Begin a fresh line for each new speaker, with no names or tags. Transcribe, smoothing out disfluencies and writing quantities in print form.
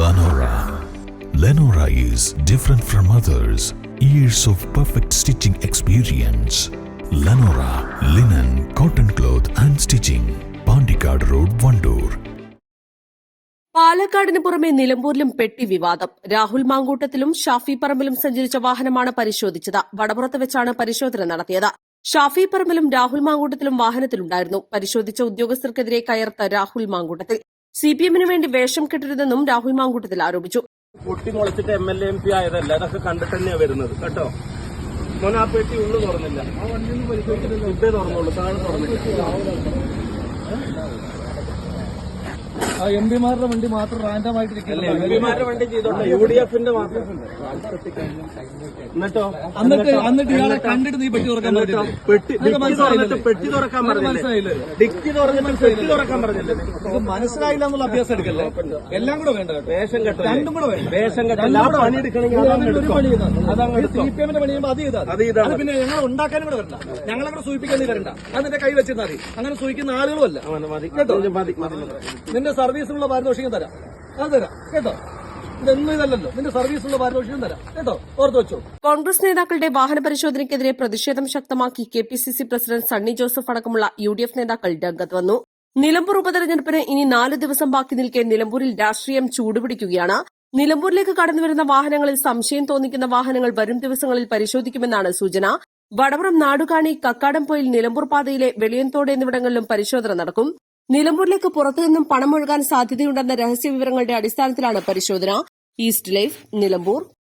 Lenora. Lenora is different from others. Years of perfect stitching experience. Lenora, linen, cotton cloth and stitching. Pandikad Road, Vandoor.
പാലക്കാടിന് പുറമെ നിലമ്പൂരിലും പെട്ടി വിവാദം. രാഹുൽ മാങ്കൂട്ടത്തിലും ഷാഫി പറമ്പിലും സഞ്ചരിച്ച വാഹനമാണ് പരിശോധിച്ചത്. വടപുറത്ത് വെച്ചാണ് പരിശോധന നടത്തിയത്. ഷാഫി പറമ്പിലും രാഹുൽ മാങ്കൂട്ടത്തിലും വാഹനത്തിലുണ്ടായിരുന്നു. പരിശോധിച്ച ഉദ്യോഗസ്ഥർക്കെതിരെ കയർത്ത രാഹുൽ മാങ്കൂട്ടത്തിൽ സിപിഎമ്മിന് വേണ്ടി വേഷം കെട്ടരുതെന്നും രാഹുൽ മാങ്കൂട്ടത്തിൽ ആരോപിച്ചു.
പൊട്ടിമുളച്ചിട്ട് MLA MP ആയതല്ല, അതൊക്കെ കണ്ടിട്ട് തന്നെയാണ് വരുന്നത് കേട്ടോ. മോനെ ആ പെട്ടി ഉള്ളു തുറന്നില്ല, ആ വണ്ടിയൊന്നും പരിശോധിച്ചിട്ടില്ല, ഇതേ തുറന്നുള്ളൂ, താഴെ തുറന്നില്ല.
എംപിമാരുടെ വണ്ടി മാത്രം റാൻഡമായിട്ടിരിക്കില്ല.
എംപിമാരുടെ വണ്ടി ചെയ്തോട്ടെ, UDFന്റെ മാത്രം.
എന്നിട്ട് ഇയാളെ കണ്ടിട്ട് നീ പെട്ടി തുറക്കാൻ പറ്റില്ല.
പെട്ടി തുറക്കാൻ പറഞ്ഞില്ലേ? ഡിക്കി തുറന്നിട്ട് പെട്ടി തുറക്കാൻ പറഞ്ഞില്ലേ?
മനസ്സിലായില്ല എന്നുള്ള അഭ്യാസം എടുക്കല്ലേ. എല്ലാം കൂടെ വേണ്ട,
വേഷം കെട്ട,
രണ്ടും കൂടെ വേണ്ട.
വേഷം കെട്ടല്ല, ആ പണി എടുക്കണമെങ്കിൽ
CPM-ന്റെ പണി ചെയ്യുമ്പോൾ അത് ചെയ്താൽ പിന്നെ ഞങ്ങൾ ഉണ്ടാക്കാനും കൂടെ വരണ്ട, ഞങ്ങളെ കൂടെ സൂചിപ്പിക്കാൻ നീ വരണ്ട. അതിന്റെ കൈ വെച്ചിരുന്നാൽ മതി. അങ്ങനെ സൂചിക്കുന്ന ആളുകളുമല്ല. നിന്റെ സർവീസിനുള്ള പാരിതോഷികം തരാം, അത് തരാം കേട്ടോ. ഇതൊന്നും ഇതല്ലല്ലോ, നിന്റെ സർവീസിനുള്ള പാരിതോഷികം തരാം കേട്ടോ, ഓർത്ത് വെച്ചോ.
കോൺഗ്രസ് നേതാക്കളുടെ വാഹന പരിശോധനയ്ക്കെതിരെ പ്രതിഷേധം ശക്തമാക്കി KPCC പ്രസിഡന്റ് സണ്ണി ജോസഫ് അടക്കമുള്ള UDF നേതാക്കൾ രംഗത്ത് വന്നു. നിലമ്പൂർ ഉപതെരഞ്ഞെടുപ്പിന് ഇനി 4 ദിവസം ബാക്കി നിൽക്കെ നിലമ്പൂരിൽ രാഷ്ട്രീയം ചൂടുപിടിക്കുകയാണ്. നിലമ്പൂരിലേക്ക് കടന്നുവരുന്ന വാഹനങ്ങളിൽ സംശയം തോന്നിക്കുന്ന വാഹനങ്ങൾ വരും ദിവസങ്ങളിൽ പരിശോധിക്കുമെന്നാണ് സൂചന. വടപുറം, നാടുകാണി, കക്കാടംപൊയിൽ, നിലമ്പൂർ പാതയിലെ വെളിയൻതോട് എന്നിവിടങ്ങളിലും പരിശോധന നടക്കും. നിലമ്പൂരിലേക്ക് പുറത്തുനിന്നും പണം ഒഴുകാൻ സാധ്യതയുണ്ടെന്ന രഹസ്യ വിവരങ്ങളുടെ അടിസ്ഥാനത്തിലാണ് പരിശോധന. East life, Nilambur.